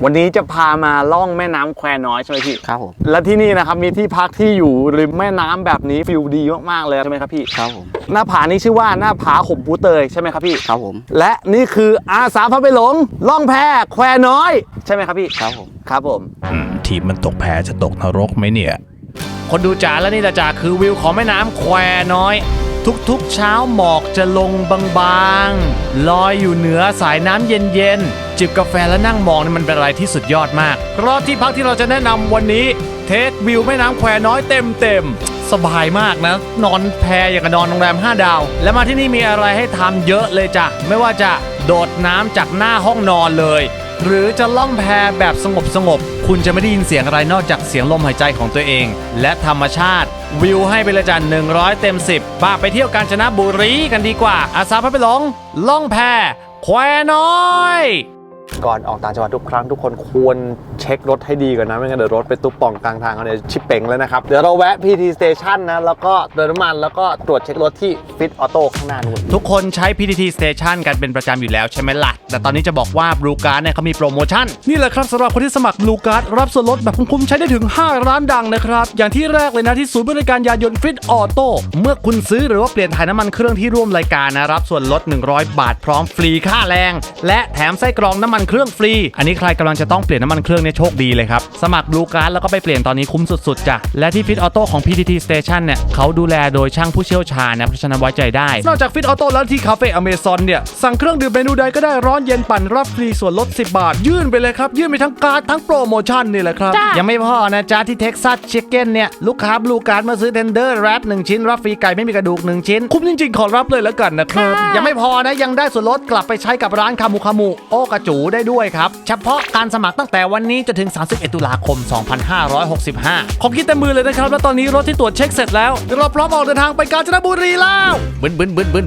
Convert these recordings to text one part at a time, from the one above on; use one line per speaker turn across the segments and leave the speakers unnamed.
วันนี้จะพามาล่องแม่น้ำแควน้อยใช่ไหมพี่
ครับผม
และที่นี่นะครับมีที่พักที่อยู่ริมแม่น้ำแบบนี้ฟิลดีมากๆเลยใช่ไหมครับพี่
ครับผม
หน้าผานี้ชื่อว่าหน้าผาขมปูเตยใช่ไหมครับพี่
ครับผม
และนี่คืออาสาพาไปหลงล่องแพแควน้อยใช่ไหมครับพี่
ครับผม
ครับผม
ทีมมันตกแพจะตกนรกไหมเนี่ยคนดูจ๋าและนี่จ๋าคือวิวของแม่น้ำแควน้อยทุกๆเช้าหมอกจะลงบางๆลอยอยู่เหนือสายน้ำเย็นๆจิบกาแฟและนั่งมองนี่มันเป็นอะไรที่สุดยอดมากเพราะที่พักที่เราจะแนะนำวันนี้เทควิวแม่น้ำแควน้อยเต็มสบายมากนะนอนแพอย่างกับนอนโรงแรม5 ดาวและมาที่นี่มีอะไรให้ทำเยอะเลยจ้ะไม่ว่าจะโดดน้ำจากหน้าห้องนอนเลยหรือจะล่องแพแบบสงบคุณจะไม่ได้ยินเสียงอะไรนอกจากเสียงลมหายใจของตัวเองและธรรมชาติวิวให้ไปเลยจ้ะ100 เต็ม 10ป้าไปเที่ยวกาญจนบุรีกันดีกว่าอาสาพาไปหลงล่องแพแควน้อย
ก่อนออกต่างจังหวัดทุกครั้งทุกคนควรเช็ครถให้ดีก่อนนะไม่งั้นเดี๋ยวรถไปตุ๊บป่องกลางทางเขาเนี่ยชิปเป่งเลยนะครับเดี๋ยวเราแวะ PT Station นะแล้วก็เติมน้ำมันแล้วก็ตรวจเช็ครถที่ Fit Auto ข้างหน้านู่น
ทุกคนใช้ PTT Station กันเป็นประจำอยู่แล้วใช่ไหมล่ะแต่ตอนนี้จะบอกว่า Blue Card เนี่ยเขามีโปรโมชั่นนี่แหละครับสำหรับคนที่สมัคร Blue Card รับส่วนลดแบบคุ้มๆใช้ได้ถึง5 ร้านดังนะครับอย่างที่แรกเลยนะที่ศูนย์บริการยานยนต์ Fit Auto เมื่อคุณซื้อหรือว่าเปลี่ยนถ่ายน้ำมันเครื่องที่ร่วมรายการนะรับส่วนลด100 บาทพร้อมฟรีค่าแรงและแถมไส้กรองน้ำมันเครื่องฟรีอันนี้ใครกำลังจะต้องเปลี่ยนน้ำมันเครื่องเนี่ยโชคดีเลยครับสมัคร Blue Card แล้วก็ไปเปลี่ยนตอนนี้คุ้มสุดๆจ้ะและที่ Fit Auto ของ PTT Station เนี่ยเขาดูแลโดยช่างผู้เชี่ยวชาญนะเพราะฉะนั้นไว้ใจได้นอกจาก Fit Auto แล้วที่คาเฟ่ Amazon เนี่ยสั่งเครื่องดื่มเมนูใดก็ได้ร้อนเย็นปั่นรับฟรีส่วนลด10 บาทยื่นไปเลยครับยื่นไปทั้งการ์ดทั้งโปรโมชั่นนี่แหละครับยังไม่พอนะจ๊ะที่ Texas Chicken เนี่ยลูกค้า Blue Card มาซื้อ Tender Wrap 1 ชิ้นรับฟรีไก่ไม่มีกระดูก1 ชิ้นคุ้มจริงๆขอรับเลยแล้วกันนะครับยังไม่พอนะยังได้ส่วนลดกลับไปใช้กับร้านคามูโอกระจูได้ด้วยครับเฉพาะการสมัครตั้งแต่วันนี้จนถึง31 ตุลาคม 2565ของคิดเต็มมือเลยนะครับและตอนนี้รถที่ตรวจเช็คเสร็จแล้วเราพร้อมออกเดินทางไปกาญจนบุรีแล้วบึน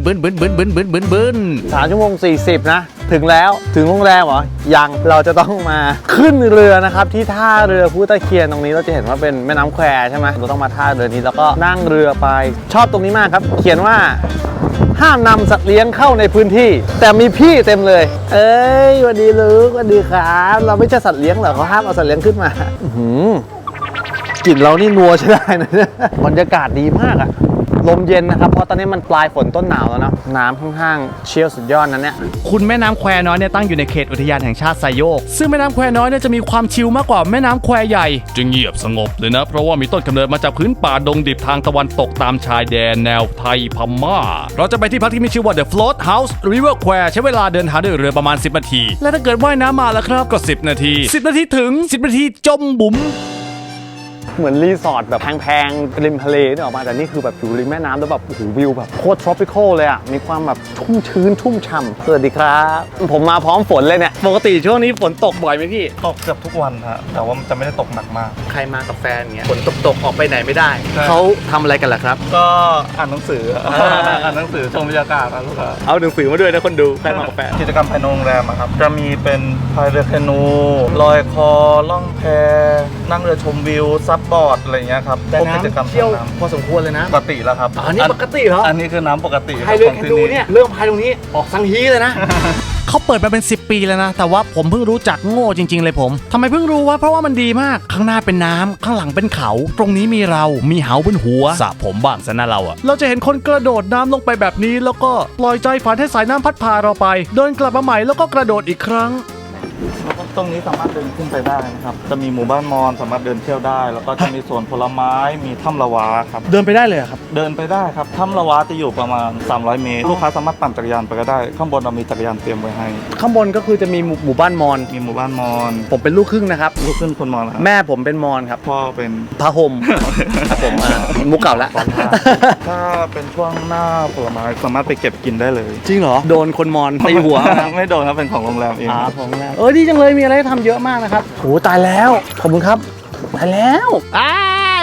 3 ชั่วโมง 40นะถึงแล้วถึงโรงแรมเหรอยังเราจะต้องมาขึ้นเรือนะครับที่ท่าเรือพุทธเคียนตรงนี้เราจะเห็นว่าเป็นแม่น้ำแควใช่ไหมเราต้องมาท่าเรือนี้แล้วก็นั่งเรือไปชอบตรงนี้มากครับเขียนว่าห้ามนำสัตว์เลี้ยงเข้าในพื้นที่แต่มีพี่เต็มเลยเอ้ยสวัสดีลูกสวัสดีครับเราไม่ใช่สัตว์เลี้ยงเหรอเขาห้ามเอาสัตว์เลี้ยงขึ้นมากลิ่นเรานี่นัวใช่ได้นะบรรยากาศดีมากอะลมเย็นนะครับเพราะตอนนี้มันปลายฝนต้นหนาวแล้วนะน้ำข้างๆเชี่ยวสุดยอดนั้นเนี่ย
คุณแม่น้ำแควน้อยเนี่ยตั้งอยู่ในเขตอุทยานแห่งชาติไซโยกซึ่งแม่น้ำแควน้อยเนี่ยจะมีความชิลมากกว่าแม่น้ำแควใหญ่จึงเงียบสงบเลยนะเพราะว่ามีต้นกำเนิดมาจากพื้นป่าดงดิบทางตะวันตกตามชายแดนแนวไทยพม่าเราจะไปที่พักที่มีชื่อว่า The Float House River Kware ใช้เวลาเดินทางด้วยเรือประมาณ10 นาทีและถ้าเกิดว่ายน้ำมาแล้วครับก็10 นาที10 นาทีถึง10 นาทีจมบุ๋ม
เหมือนรีสอร์ทแบบแพงๆริมทะเลนี่ออกมาแต่นี่คือแบบอยู่ริมแม่น้ำแล้วแบบโอ้โหวิวแบบโคตร tropical เลยอ่ะมีความแบบชุ่มชื้นชุ่มฉ่ำสวัสดีครับผมมาพร้อมฝนเลยเนี่ยปกติช่วงนี้ฝนตกบ่อยไหมพี่
ตกเกือบทุกวันฮะแต่ว่ามันจะไม่ได้ตกหนักมาก
ใครมากับแฟนเงี้ยฝนตกออกไปไหนไม่ได้เขาทำอะไรกันล่ะครับ
ก็อ่านหนังสืออ่านหนังสือชมบรรยากาศนะลูกค้า
เอาหนังสือมาด้วยนะคนดูใครมากับแฟน
กิจกรรมภายในโรงแรมครับจะมีเป็นพายเรือแคนูลอยคอล่องแพนั่งเรือชมวิวซับบอร์ดอะไรเงี้ยครับ
แต่น้ำเชี่ยวพอสมควรเลยนะ
ปกติแล้วครับ
อันนี้ปกติเหรอ
อันนี้คือน้ำปกติ
พายเรือแคนูเนี่ยเริ่มพายตรงนี้ออกสังฮีเลยนะ
เขาเปิดมาเป็น10 ปีแล้วนะแต่ว่าผมเพิ่งรู้จักโง่จริงๆเลยผมทำไมเพิ่งรู้วะเพราะว่ามันดีมากข้างหน้าเป็นน้ำข้างหลังเป็นเขาตรงนี้มีเรามีเหาบนหัวสระผมบ้างซะนะเราจะเห็นคนกระโดดน้ำลงไปแบบนี้แล้วก็ปล่อยใจฝันให้สายน้ำพัดพาเราไปเดินกลับมาใหม่แล้วก็กระโดดอีกครั้ง
ตรงนี้สามารถเดินขึ้นไปได้นะครับจะมีหมู่บ้านมอญสามารถเดินเที่ยวได้แล้วก็จะมีสวนผลไม้มีถ้ำละวาครับ
เดินไปได้เลยครับ
เดินไปได้ครับถ้ำละวาจะอยู่ประมาณ300 เมตรลูกค้าสามารถปั่นจักรยานไปก็ได้ข้างบนเรามีจักรยานเตรียมไว้ให้
ข้างบนก็คือจะมีหมู่บ้านมอญ
มีหมู่บ้านมอญ
ผมเป็นลูกครึ่งนะครับ
ลูกครึ่งคนมอญ
แม่ผมเป็นมอญครับ
พ่อเป็น
พระห่มผมมุกเก่าแล้ว
ถ้าเป็นช่วงหน้าผลไม้สามารถไปเก็บกินได้เลย
จริงเหรอโดนคนมอญตีหัว
ไม่โดนครับเป็นของโรงแรมเอง
ของโรงแรมดีจังเลยมีอะไรให้ทำเยอะมากนะครับโอ้ตายแล้วขอบคุณครับตายแล้ว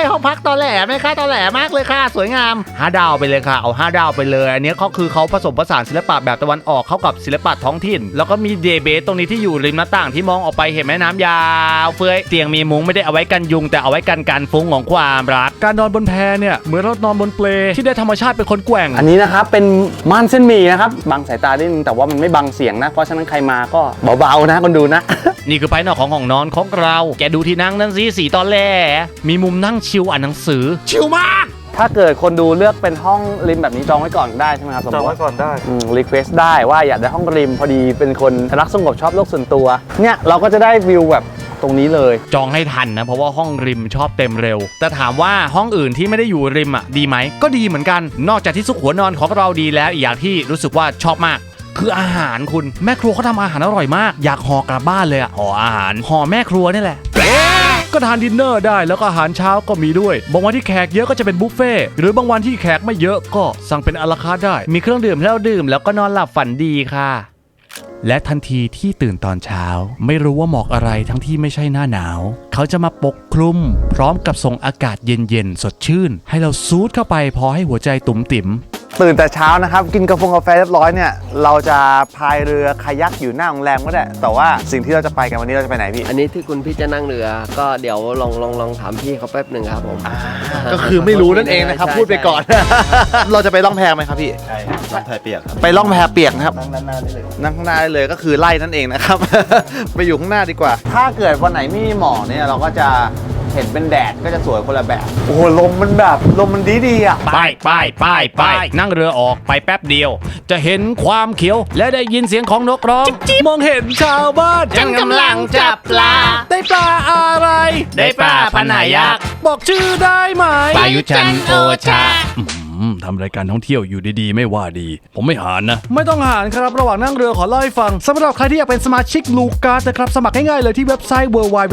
ห้องพักตอแหลไหมคะตอแหลมากเลยค่ะสวยงาม5 ดาวไปเลยค่ะเอา5 ดาวไปเลยอันนี้เขาคือเขาผสมผสานศิลปะแบบตะวันออกเข้ากับศิลปะท้องถิ่นแล้วก็มีเดย์เบสตรงนี้ที่อยู่ริมหน้าต่างที่มองออกไปเห็นแม่น้ำยาวเฟ้ยเตียงมีมุ้งไม่ได้เอาไว้กันยุงแต่เอาไว้กันการฟุ้งของความรักการนอนบนแพเนี่ยเหมือนเรานอนบนเปลที่ได้ธรรมชาติเป็นคนแกว่ง
อันนี้นะครับเป็นม่านเส้นหมี่นะครับบังสายตานิดนึงแต่ว่ามันไม่บังเสียงนะเพราะฉะนั้นใครมาก็เบาๆนะคนดูนะ
นี่คือภายนอกของห้องนอนของเราแกดูที่นั่งนั่นสิสีตอนแรกมีมุมนั่งชิลอ่านหนังสือชิลมาก
ถ้าเกิดคนดูเลือกเป็นห้องริมแบบนี้จองไว้ก่อนได้ใช่ไหมครับสม
จ
ม
อง
ติ
ไว้ก่อนได้
รีเควสได้ว่าอยากได้ห้องริมพอดีเป็นคนรักสงบชอบโลกส่วนตัวเนี่ยเราก็จะได้วิวแบบตรงนี้เลย
จองให้ทันนะเพราะว่าห้องริมชอบเต็มเร็วแต่ถามว่าห้องอื่นที่ไม่ได้อยู่ริมอ่ะดีไหมก็ดีเหมือนกันนอกจากที่ซุกหัวนอนของเราดีแล้วอีกอย่างที่รู้สึกว่าชอบมากคืออาหารคุณแม่ครัวเขาทำอาหารอร่อยมากอยากห่อกลับบ้านเลยอ่ะห่ออาหารห่อแม่ครัวนี่แหละก็ทานดินเนอร์ได้แล้วก็อาหารเช้าก็มีด้วยบางวันที่แขกเยอะก็จะเป็นบุฟเฟ่ต์หรือบางวันที่แขกไม่เยอะก็สั่งเป็นอะลาคาร์ทได้มีเครื่องดื่มให้เราดื่มแล้วก็นอนหลับฝันดีค่ะและทันทีที่ตื่นตอนเช้าไม่รู้ว่าหมอกอะไรทั้งที่ไม่ใช่หน้าหนาวเขาจะมาปกคลุมพร้อมกับส่งอากาศเย็นๆสดชื่นให้เราซูดเข้าไปพอให้หัวใจตุ๋มติ๋ม
ตื่นแต่เช้านะครับกินกาแฟเรียบร้อยเนี่ยเราจะพายเรือคายักอยู่หน้าโรงแรมก็ได้แต่ว่าสิ่งที่เราจะไปกันวันนี้เราจะไปไหนพี่
อันนี้ที่คุณพี่จะนั่งเรือก็เดี๋ยวลองถามพี่เขาแป๊บหนึ่งครับผม
ก็คือไม่รู้นั่นเองนะครับ
ใช่
พูดไปก่อน เราจะไปล่องแพไหมครับพี่
ใช่ต้องแพเปียกครับ
ไปล่องแพเปียกนะครับ
นั่งด้านหน้าได้เลย
นั่งข้างหน้าได้เลยก็คือไล่นั่นเองนะครับ ไปอยู่ข้างหน้าดีกว่า ถ้าเกิดวันไหนไม่มีหมอกเนี่ยเราก็จะเห็นเป็นแดดก็จะสวยคนละแบบ โอ้โหลมมันแบบลมมันดีอ่ะ
ไปนั่งเรือออกไปแป๊บเดียว จะเห็นความเขียวและได้ยินเสียงของนกร้องมองเห็นชาวบ้านฉันกำลังจับปลาได้ปลาอะไรได้ปลาพนายักษ์บอกชื่อได้ไหมปายุจันโอชาทำรายการท่องเที่ยวอยู่ดีๆไม่ว่าดีผมไม่หารนะไม่ต้องหารครับระหว่างนั่งเรือขอเล่าให้ฟังสำหรับใครที่อยากเป็นสมาชิก Blue Card นะครับสมัครง่ายๆเลยที่เว็บไซต์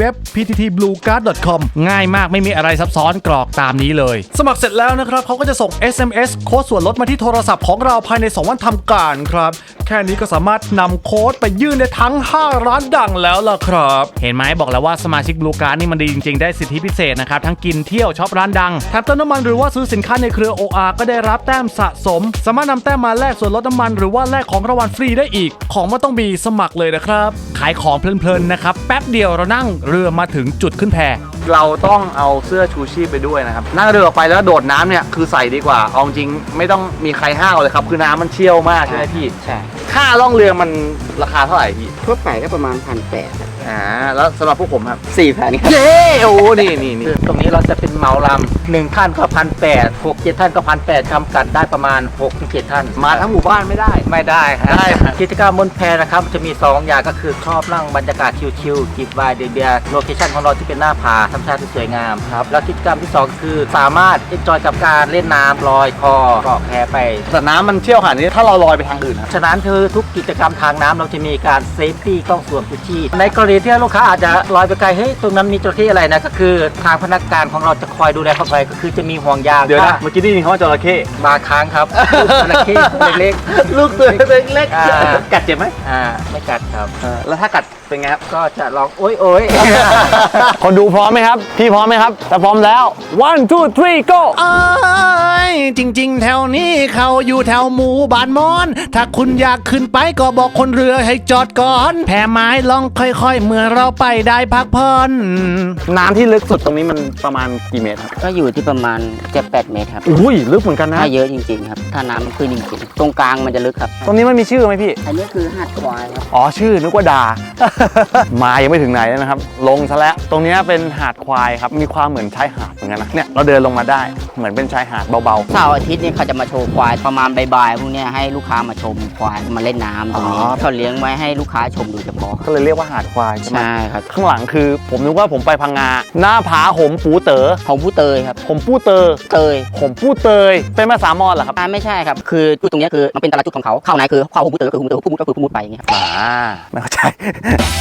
www.pttbluecard.com ง่ายมากไม่มีอะไรซับซ้อนกรอกตามนี้เลยสมัครเสร็จแล้วนะครับเขาก็จะส่ง SMS โค้ดส่วนลดมาที่โทรศัพท์ของเราภายใน2 วันทำการครับแค่นี้ก็สามารถนำโค้ดไปยื่นได้ทั้ง5 ร้านดังแล้วล่ะครับเห็นไหมบอกแล้วว่าสมาชิก Blue Card นี่มันดีจริงๆได้สิทธิพิเศษนะครับทั้งกินเที่ยวช็อปร้านดังแถมเติมน้ำมันหรือว่าซื้อสินค้าในเครือ OR ก็ได้รับแต้มสะสมสามารถนำแต้มมาแลกส่วนลดน้ำมันหรือว่าแลกของรางวัลฟรีได้อีกของมันต้องมีสมัครเลยนะครับขายของเพลินๆนะครับแป๊บเดียวเรานั่งเรือมาถึงจุดขึ้นแพ
เราต้องเอาเสื้อชูชีพไปด้วยนะครับนั่งเรือออกไปแล้วโดดน้ำเนี่ยคือใส่ดีกว่าเอาจริงไม่ต้องมีใครห้าวเลยครับคือน้ำมันเชี่ยวมากใช่ไหมพี่
ใช่
ค่าล่องเรือมันราคาเท่าไหร่พี่
ทั่วไปก็ประมาณ1,800
แล้วสำหรับพวกผมครับ
4,000ครับ
เย้โอ้นี่
ตรงนี้เราจะเป็นเหมาลำ1 ท่านก็1,800 6-7 ท่านก็1,800จำกัดได้ประมาณ 6-7 ท่าน
มาทั้งหมู่บ้านไม่ได้
ไม่ได้ครับ
ได้ครับ
กิจกรรมบนแพนะครับจะมี 2 อย่างก็คือชอบนั่งบรรยากาศชิลๆจิบไวน์เบียร์โลเคชั่นของเราที่เป็นหน้าผาธรรมชาติที่สวยงามครับแล้วกิจกรรมที่ 2 คือสามารถเอนจอยกับการเล่นน้ำลอยคอเกาะแพไป
แต่น้ำมันเชี่ยวขนาดนี้ถ้าเราลอยไปทางอื่นครับ
ฉะนั้นคือทุกกิจกรรมทางน้ำเราจะมีการเซฟตี้ต้องสวมชูชีพในกรณีที่ลูกค้าอาจจะลอยไปไกลเฮ้ยตรงนั้นมีจระเข้อะไรนะก็คือทางพนักงานของเราจะคอยดูแลเข้าไปก็คือจะมีห่วงยาง
เดี๋ยวนะเมื่อกี้ได้ยินเขาว่าจระเข้
บางครั้งครับจระเข้เล็ก
ลูกตัวเล็ก
อ่า
ๆกัดเจ็บไหม
ๆไม่กัดครับ
แล้วถ้ากัดเป็นไงครับ
ก็จะลองโอ๊ย
คนดูพร้อมไหมครับพี่พร้อมไหมครับถ้าพร้อมแล้ว one two three go
เอ้ยจริงๆ แถวนี้เขาอยู่แถวหมู่บ้านมอน ถ้าคุณอยากขึ้นไปก็บอกคนเรือให้จอดก่อน แพไม้ลองค่อยๆ เมื่อเราไปได้พักผ่อน
น้ำที่ลึกสุดตรงนี้มันประมาณกี่เมตรครับ
ก็อยู่ที่ประมาณ7-8 เมตรครับ
อุ้ยลึกเหมือนกันนะ
ถ้าเยอะจริงๆครับถ้าน้ำมันขึ้นจริงๆตรงกลางมันจะลึกครับ
ตรงนี้มันมีชื่อไหมพี่
อันนี้คือหาดควายครับ
อ๋อชื่อนึกว่าด่า มายังไม่ถึงไหนเลยนะครับ ลงซะแล้วตรงนี้เป็นหาดควายครับมีความเหมือนชายหาดเหมือนกันนะเนี่ยเราเดินลงมาได้เหมือนเป็นชายหาดเบา
เสาร์อาทิตย์เนี่ยเขาจะมาโชว์ควายประมาณบ่ายๆพวกเนี้ยให้ลูกค้ามาชมควายมาเล่นน้ำตรงนี้เขาเลี้ยงไว้ให้ลูกค้าชมโดยเฉพาะ
ๆก็เลยเรียกว่าหาดควายใช่ไหม
ใช่ครับ
ข้างหลังคือผมนึกว่าผมไปพังงาหน้าผาหมปูเต๋อ
ของผู้เตยครับ
หมปูเตอ
เตย
ผมปูเตยเป็นภาษามอญเหรอครับ
ไม่ใช่ครับคือจุดตรงเนี้ยคือมันเป็นแต่ละจุดของเขาเข้าไหนคือเข้าของผู้เตยก็คือผู้เตยก็คือผู้มุดไปอย่างเงี้ยครับ
ไม่เข้าใจ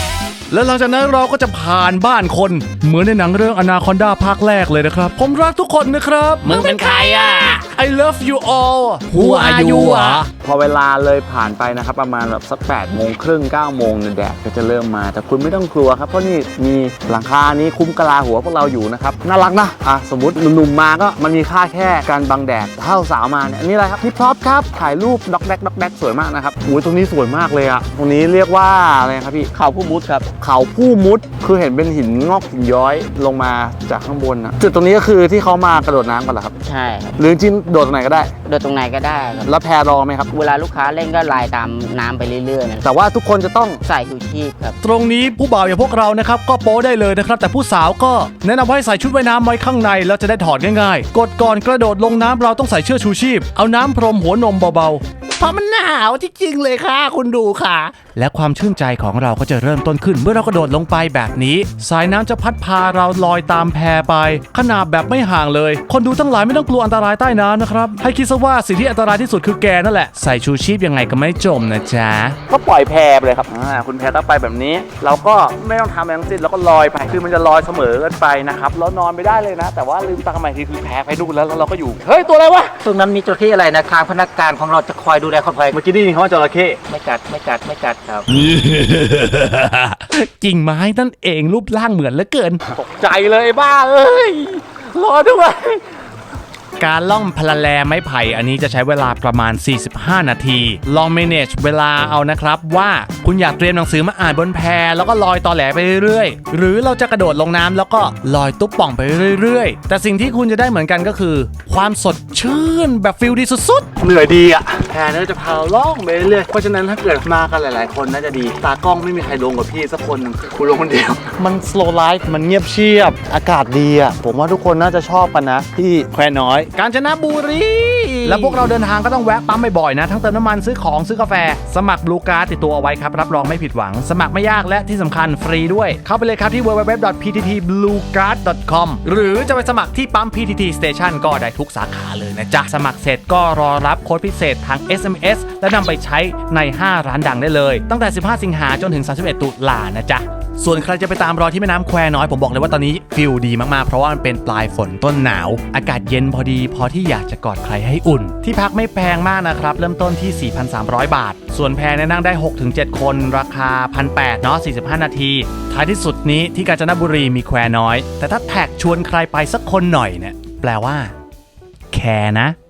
แล้วหลังจากนั้นเราก็จะผ่านบ้านคนเหมือนในหนังเรื่องอนาคอนดาภาคแรกเลยนะครับผมรักทุกคนนะครับ
มึงเป็นใครอ่ะ
I love you all Who are you
พอเวลาเลยผ่านไปนะครับประมาณแบบสัก8 โมงครึ่ง 9 โมงเนี่ยแดดก็จะเริ่มมาแต่คุณไม่ต้องกลัวครับเพราะนี่มีหลังคานี้คุ้มกะลาหัวพวกเราอยู่นะครับน่ารักนะสมมติหนุ่มๆมาก็มันมีค่าแค่การบังแดดถ้าสาวมาเนี่ยนี่อะไรครับฮิปฮอปครับถ่ายรูปด็อกแดกสวยมากนะครับตรงนี้สวยมากเลยอะตรงนี้เรียกว่าอะไรครับพี่
เขาผู้มุดครับ
เขาผู้มุดคือเห็นเป็นหินงอกหินย้อยลงมาจากข้างบนนะจุดตรงนี้ก็คือที่เขามากระโดดน้ำกันเหรอครับ
ใช่ครับ
หรือจริงโดดตรงไหนก็ได้
โดยตรงไหนก็ได้ครับ
แล้วแพรอไหมครับ
เวลาลูกค้าเล่นก็ลายตามน้ำไปเรื่อยๆนะ
แต่ว่าทุกคนจะต้อง
ใส่ชูชีพครับ
ตรงนี้ผู้บ่าวอย่างพวกเรานะครับก็โป๊ได้เลยนะครับแต่ผู้สาวก็แนะนำให้ใส่ชุดว่ายน้ำไว้ข้างในแล้วจะได้ถอดง่ายๆกดก่อนกระโดดลงน้ำเราต้องใส่เชือกชูชีพเอาน้ำพรมหัวนมเบาๆเพราะมันหนาวจริงๆเลยค่ะคุณดูค่ะและความชื่นใจของเราก็จะเริ่มต้นขึ้นเมื่อเรากระโดดลงไปแบบนี้สายน้ำจะพัดพาเราลอยตามแพไปขนาบแบบไม่ห่างเลยคนดูทั้งหลายไม่ต้องกลัวอันตรายใต้น้ำนะครับให้คิดซะว่าสิ่งที่อันตรายที่สุดคือแกนั่นแหละใส่ชูชีพยังไงก็ไม่จมนะจ๊ะ
ก็ปล่อยแพไปเลยครับคุณแพก็ไปแบบนี้ เราก็ไม่ต้องทำอะไรทั้งสิ้นเราก็ลอยไปคือมันจะลอยเสมอกันไปนะครับแล้วนอนไม่ได้เลยนะ แต่ว่าลืมตาใหม่ทีคือแพไปนู่นแล้วเราก็อยู่เฮ้ยตัวอะไรวะ
ตรงนั้นมีจระเข้อะไรนะทางพนักงานของเราจะคอยดูแลคนภัย
เมื่อกี้ได้ยินเขาว่าจระเข้
ไม่กัดครับ
กิ่งไม้นั่นเองรูปร่างเหมือนเหลือเกิน
ตกใจเลยบ้าเอ้ยรอด้วย
การล่องพลาแลไม้ไผ่อันนี้จะใช้เวลาประมาณ 45 นาที ลอง manage เวลาเอานะครับว่าคุณอยากเตรียมหนังสือมาอ่านบนแพแล้วก็ลอยตอแหลไปเรื่อยๆหรือเราจะกระโดดลงน้ำแล้วก็ลอยตุ๊บป่องไปเรื่อยๆแต่สิ่งที่คุณจะได้เหมือนกันก็คือ ความสดชื่นแบบฟิลดีสุดๆ
เหนื่อยดีอ่ะแพเนี่ยจะพาล่องไปเรื่อยเพราะฉะนั้นถ้าเกิดมากันหลายๆคนน่าจะดีตากล้องไม่มีใครลงกับพี่สักคนหนึ่งคุณลงคนเดียวมัน slow life มันเงียบเชียบอากาศดีอ่ะผมว่าทุกคนน่าจะชอบกันนะที่แควน้อย
กาญจนบุรีแล้วพวกเราเดินทางก็ต้องแวะปั๊มบ่อยๆนะทั้งเติมน้ำมันซื้อของซื้อกาแฟสมัคร Blue Card ติดตัวเอาไว้ครับรับรองไม่ผิดหวังสมัครไม่ยากและที่สำคัญฟรีด้วยเข้าไปเลยครับที่ www.pttbluecard.com หรือจะไปสมัครที่ปั๊ม PTT Station ก็ได้ทุกสาขาเลยนะจ๊ะสมัครเสร็จก็รอรับโค้ดพิเศษทาง SMS และนำไปใช้ใน5ร้านดังได้เลยตั้งแต่15 สิงหาจนถึง31 ตุลานะจ๊ะส่วนใครจะไปตามรอยที่แม่น้ำแควน้อยผมบอกเลยว่าตอนนี้ฟิลดีมากๆเพราะว่ามันเป็นปลายฝนต้นหนาวอากาศเย็นพอดีพอที่อยากจะกอดใครให้อุ่นที่พักไม่แพงมากนะครับเริ่มต้นที่ 4,300 บาทส่วนแพรนั่งได้ 6-7 คนราคา 1,800 เนาะ45 นาทีท้ายที่สุดนี้ที่กาญจนบุรีมีแควน้อยแต่ถ้าแท็กชวนใครไปสักคนหน่อยเนี่ยแปลว่าแคร์นะ